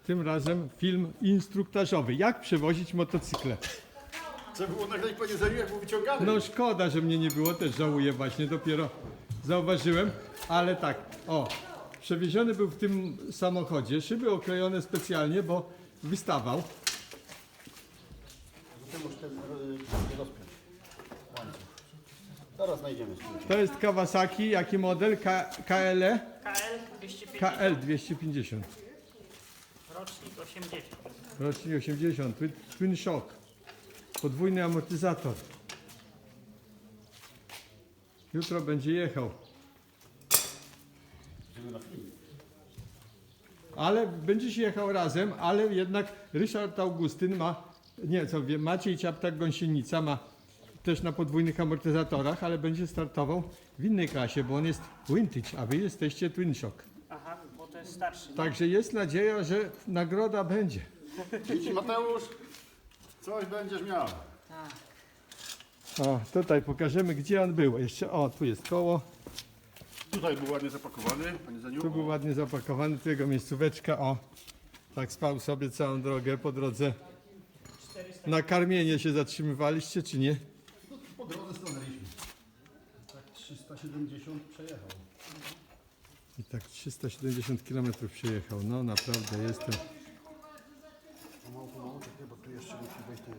tym razem film instruktażowy. Jak przewozić motocykle? Co było nagrać po jedzeniu, jak był wyciągany? No szkoda, że mnie nie było, też żałuję właśnie, dopiero zauważyłem, ale tak, o, przewieziony był w tym samochodzie, szyby oklejone specjalnie, bo wystawał. Ty musisz ten rozpiąć. Łańcuch. Zaraz znajdziemy. To jest Kawasaki, jaki model? KL? KL 250, KL 250. rocznik 80. Rocznik 80, Twin Shock. Podwójny amortyzator. Jutro będzie jechał. Ale będzie się jechał razem, ale jednak Ryszard Augustyn ma, nie co wiem, Maciej Ciaptak-Gąsienica ma też na podwójnych amortyzatorach, ale będzie startował w innej klasie, bo on jest vintage, a wy jesteście Twin Shock. Aha, bo to jest starszy. Także jest nadzieja, że nagroda będzie. Idź Mateusz, coś będziesz miał. O, tutaj pokażemy, gdzie on był. Jeszcze, o, tu jest koło. Tutaj był ładnie zapakowany, panie Zeniu. Tu był ładnie zapakowany, tu jego miejscóweczka, o. Tak spał sobie całą drogę po drodze. Na karmienie się zatrzymywaliście, czy nie? Po drodze stanęliśmy. Tak 370 przejechał. I tak 370 km przejechał. No naprawdę jestem